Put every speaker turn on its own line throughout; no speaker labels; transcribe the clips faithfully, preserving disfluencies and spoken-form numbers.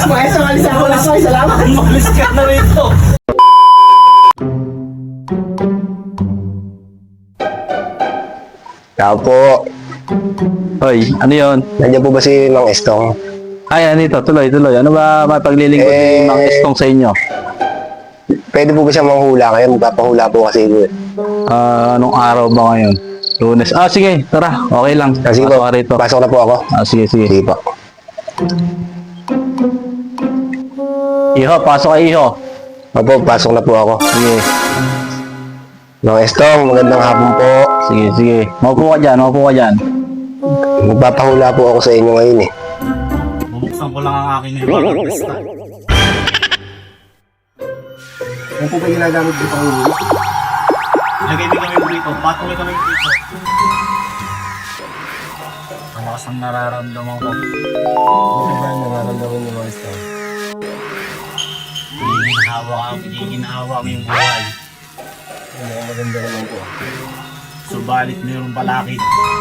Maestro, alis ako lang. Salamat.
Malis ka na rito.
Tao po.
Hoy, ano yun?
Nandiyan po ba si Mang Estong?
Ay, anito, tuloy, tuloy. Ano ba mapaglilingkod
Eh,
ni Mang Estong sa inyo?
Pwede po ba siya manghula ngayon? Magpapahula po kasi ko.
Ah, anong araw ba ngayon? Lunes. Ah, sige, tara. Okay lang.
Ah, sige po,
Pasok ka rito.
pasok na po ako.
Ah, sige, sige.
Sige po.
Iho, pasok ka, Iho.
Opo, pasok na po ako.
Sige,
Mang Estong, magandang hapon po.
sige, sige. Maupo ka dyan, maupo ka dyan.
Magpapahula po ako sa inyo ngayon eh.
Bubuksan ko lang ang aking ibang pista.
Ano po ba ginagamit dito ang huli?
Lagay din kami dito. Patuloy kami dito. Malakas ang nararamdaman ko.
Ano ba yung nararamdaman niyo, Mang Estong?
Hinihinhawa ka, hinihinhawa mo yung buhay.
Ano, maganda naman po.
Subalit mayroong balakid.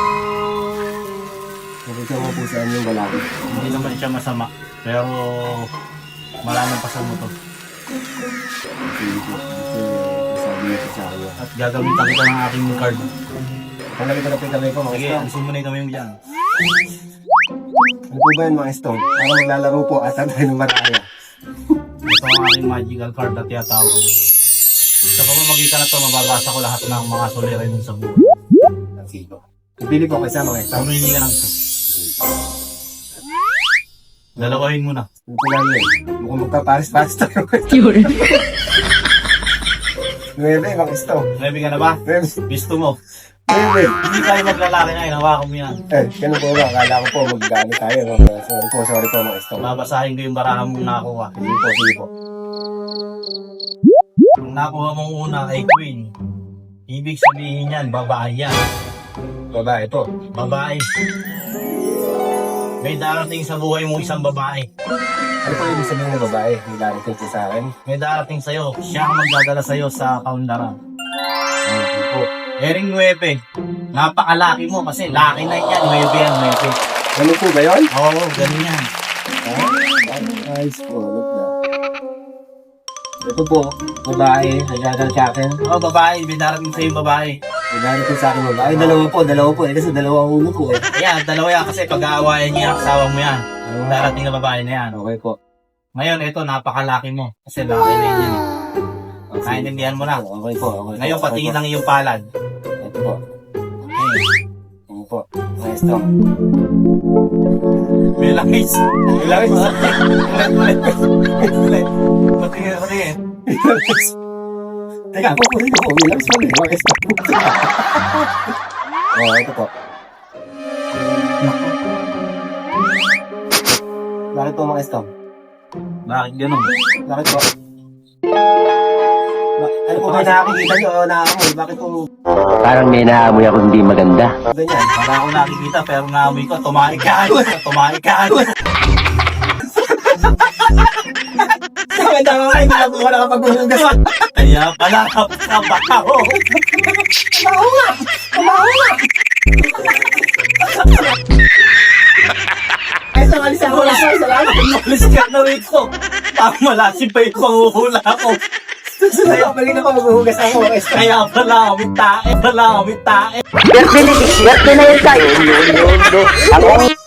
Nakita mo po saan yung balakid.
Hindi naman siya masama. Pero malamang pa sa motor.
Sige po. Kasi sabi niyo po sa akin.
At gagamitan kita ng aking card.
Tanggalin ko na po yung kamay ko, Mang
Sige,
Estong.
alisin mo na yung kamay mo dyan.
Ano po ba yun, Mang Estong? Para maglalaro po at tayo ng maraya.
Ito ang aking magical card na tiyatawag. Sa pamamagitan na ito, mababasa ko lahat ng mga suliranin sa buhay.
Sige po. Pipili po kayo sa Mang Estong.
Pamili ka lang ito. Dalawahin mo na.
Ano po lang yun? Mukhang magpaparis-paris tayo. Nuebe, Mang Estong.
Ready ka na ba?
Nuebe.
Gusto mo?
Nuebe.
Hindi tayo maglalaki na, hinawakan mo yan.
Eh, ganun po ba? Akala ko po mag-gamit tayo. Mga- Sorry po, sorry po, Mang Estong.
Babasahin ko yung barahan mong nakuha.
Sige po, sige po.
Ang nakuha mong una ay Queen. Ibig sabihin yan, babae yan.
Babae po.
Babae. May darating sa buhay mo isang babae.
Ano po ibig sabihin ng babae? May darating siya sa akin?
May darating sa'yo. Siya ang magdadala sa'yo sa kaunlaran.
Hindi po.
Ering nuebe. Napakalaki mo kasi laki na yan. Nuebe yan, nuebe.
Ano po ba yun?
Oo, ganun yan.
Nice po, look na. Ito po, babae, nagdadal sa akin.
Oo, babae. May darating sa'yo yung babae.
May darating sa akin babae. Dalawa po, dalawa po. Eh, kasi dalawa ang ulo ko eh.
Ayan, dalawa yan kasi pag-aawayan niya ang asawa mo yan.
Ah,
Darating na babae na yan.
okay po.
Ngayon, ito, napakalaki mo. Kasi laki na yun yan. eh. Naintindihan mo na.
Okay po, okay po.
Ngayon,
Okay
patingin
po.
lang yung palad.
Ito po.
Okay.
Ano po. Maestro.
May langis. May langis. Ulit, ulit. Ulit. Patingin, patingin.
Teka, pupunin ko po. Bilang sa mga maestro. Oh, ito po. Bakit po, maestro?
Bakit ganun?
Bakit po? Ba- ano po ba nakakikita nyo o nakakamoy? Bakit po
Parang may naamoy ako hindi maganda.
ganyan?
Para ako nakikita pero naamoy ko, tumahi ka. Tumahi ka.
Tama tama nga, hindi lang po ako nakapaghuhugas.
Kaya pala kapabaho.
Mabaho nga! Mabaho nga! Ay, so, alis ako lang. Salamat.
Umalis ka na rito. Pamalasin pa yung panguhula ko.
Susunod ako, balik ako, maghuhugas ako. Maestro.
Kaya pala kami tae. Pala kami tae.
Swerte na yun tayo. Ang